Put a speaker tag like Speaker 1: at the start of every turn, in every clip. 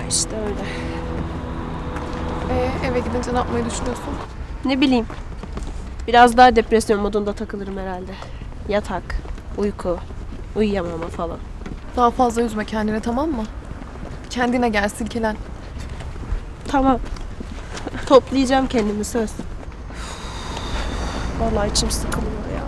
Speaker 1: İşte öyle.
Speaker 2: Eve gidince ne yapmayı düşünüyorsun?
Speaker 1: Ne bileyim. Biraz daha depresyon modunda takılırım herhalde. Yatak, uyku, uyuyamama falan.
Speaker 2: Daha fazla üzme kendini, tamam mı? Kendine gel, silkelen.
Speaker 1: Tamam. Toplayacağım kendimi, söz. Vallahi içim sıkılıyor ya.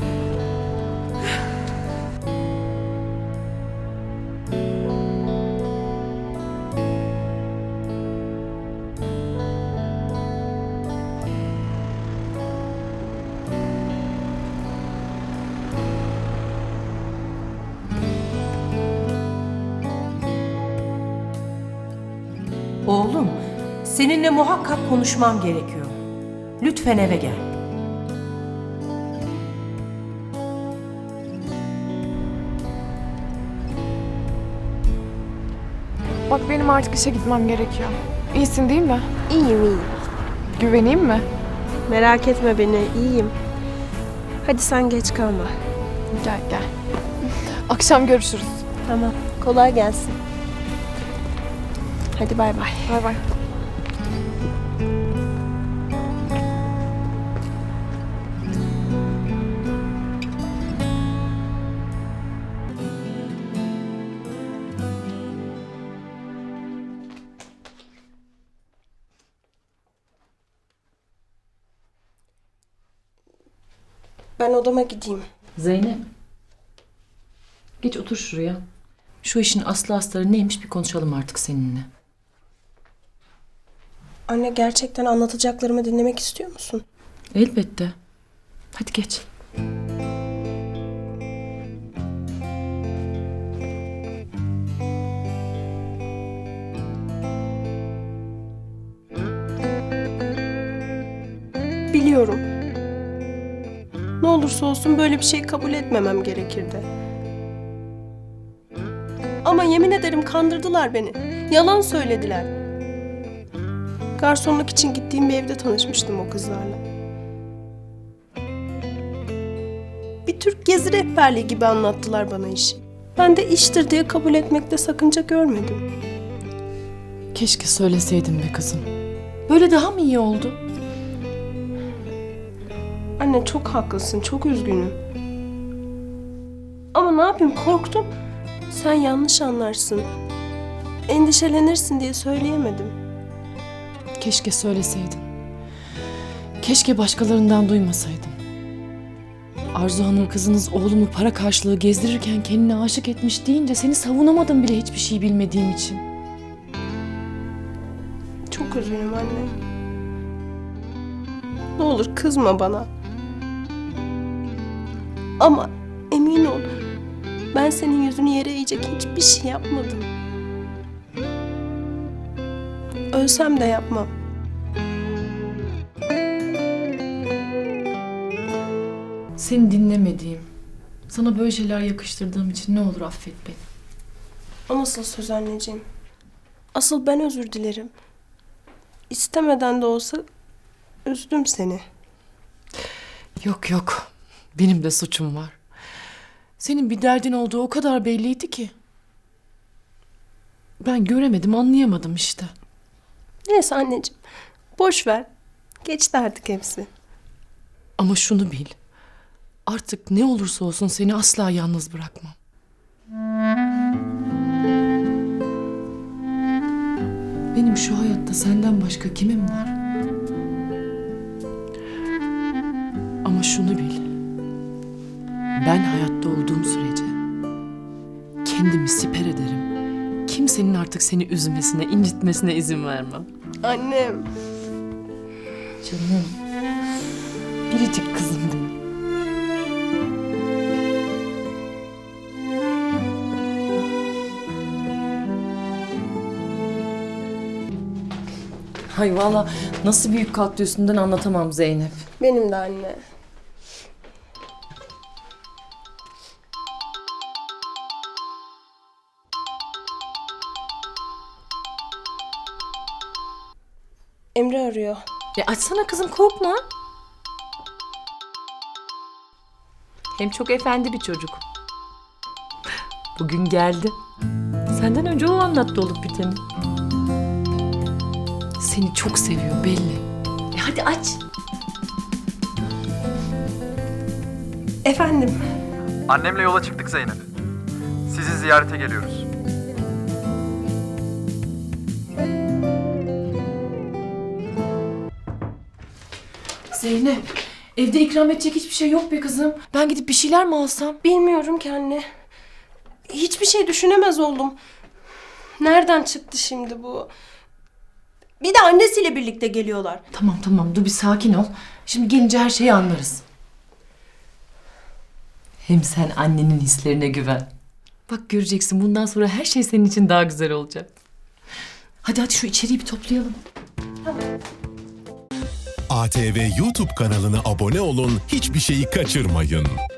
Speaker 3: Oğlum, seninle muhakkak konuşmam gerekiyor. Lütfen eve gel.
Speaker 2: Bak benim artık işe gitmem gerekiyor. İyisin değil mi?
Speaker 1: İyiyim, iyiyim.
Speaker 2: Güveneyim mi?
Speaker 1: Merak etme beni, iyiyim. Hadi sen geç kalma.
Speaker 2: Gel gel. Akşam görüşürüz.
Speaker 1: Tamam, kolay gelsin. Hadi bay bay.
Speaker 2: Bay bay.
Speaker 1: Ben odama gideyim.
Speaker 3: Zeynep. Geç otur şuraya. Şu işin aslı astarı neymiş bir konuşalım artık seninle.
Speaker 1: Anne, gerçekten anlatacaklarımı dinlemek istiyor musun?
Speaker 3: Elbette. Hadi geç.
Speaker 1: Biliyorum. Ne olursa olsun böyle bir şey kabul etmemem gerekirdi. Ama yemin ederim kandırdılar beni. Yalan söylediler. Garsonluk için gittiğim bir evde tanışmıştım o kızlarla. Bir Türk gezi rehberliği gibi anlattılar bana işi. Ben de iştir diye kabul etmekte sakınca görmedim.
Speaker 3: Keşke söyleseydin be kızım. Böyle daha mı iyi oldu?
Speaker 1: Anne, çok haklısın, çok üzgünüm. Ama ne yapayım, korktum. Sen yanlış anlarsın, endişelenirsin diye söyleyemedim.
Speaker 4: Keşke söyleseydin. Keşke başkalarından duymasaydım. Arzu Hanım kızınız oğlumu para karşılığı gezdirirken kendine aşık etmiş deyince seni savunamadım bile hiçbir şey bilmediğim için.
Speaker 1: Çok üzgünüm anne. Ne olur kızma bana. Ama emin ol, ben senin yüzünü yere eğecek hiçbir şey yapmadım. Ölsem de yapmam.
Speaker 4: Seni dinlemediğim, sana böyle şeyler yakıştırdığım için ne olur affet beni.
Speaker 1: O nasıl söz anneciğim? Asıl ben özür dilerim. İstemeden de olsa üzdüm seni.
Speaker 4: Yok yok, benim de suçum var. Senin bir derdin olduğu o kadar belliydi ki. Ben göremedim, anlayamadım işte.
Speaker 1: Neyse anneciğim, boş ver. Geçti artık hepsi.
Speaker 4: Ama şunu bil. Artık ne olursa olsun seni asla yalnız bırakmam. Benim şu hayatta senden başka kimim var? Ama şunu bil. Ben hayatta olduğum sürece kendimi siper ederim. Kimsenin artık seni üzmesine, incitmesine izin vermem.
Speaker 1: Annem.
Speaker 4: Canım. Biricik kızım benim. Hay valla nasıl büyük kalktı üstünden anlatamam Zeynep.
Speaker 1: Benim de anne. Emre arıyor.
Speaker 4: Açsana kızım, korkma. Hem çok efendi bir çocuk. Bugün geldi. Senden önce o anlattı olup biteni. Seni çok seviyor belli.
Speaker 3: Hadi aç.
Speaker 1: Efendim,
Speaker 5: Annemle yola çıktık Zeynep. Sizi ziyarete geliyoruz.
Speaker 4: Zeynep, evde ikram edecek hiçbir şey yok be kızım. Ben gidip bir şeyler mi alsam?
Speaker 1: bilmiyorum ki anne. Hiçbir şey düşünemez oldum. Nereden çıktı şimdi bu? Bir de annesiyle birlikte geliyorlar.
Speaker 4: Tamam dur bir sakin ol. Şimdi gelince her şeyi anlarız.
Speaker 3: Hem sen annenin hislerine güven. Bak göreceksin bundan sonra her şey senin için daha güzel olacak.
Speaker 4: Hadi şu içeriği bir toplayalım.
Speaker 6: ATV YouTube kanalına abone olun, hiçbir şeyi kaçırmayın.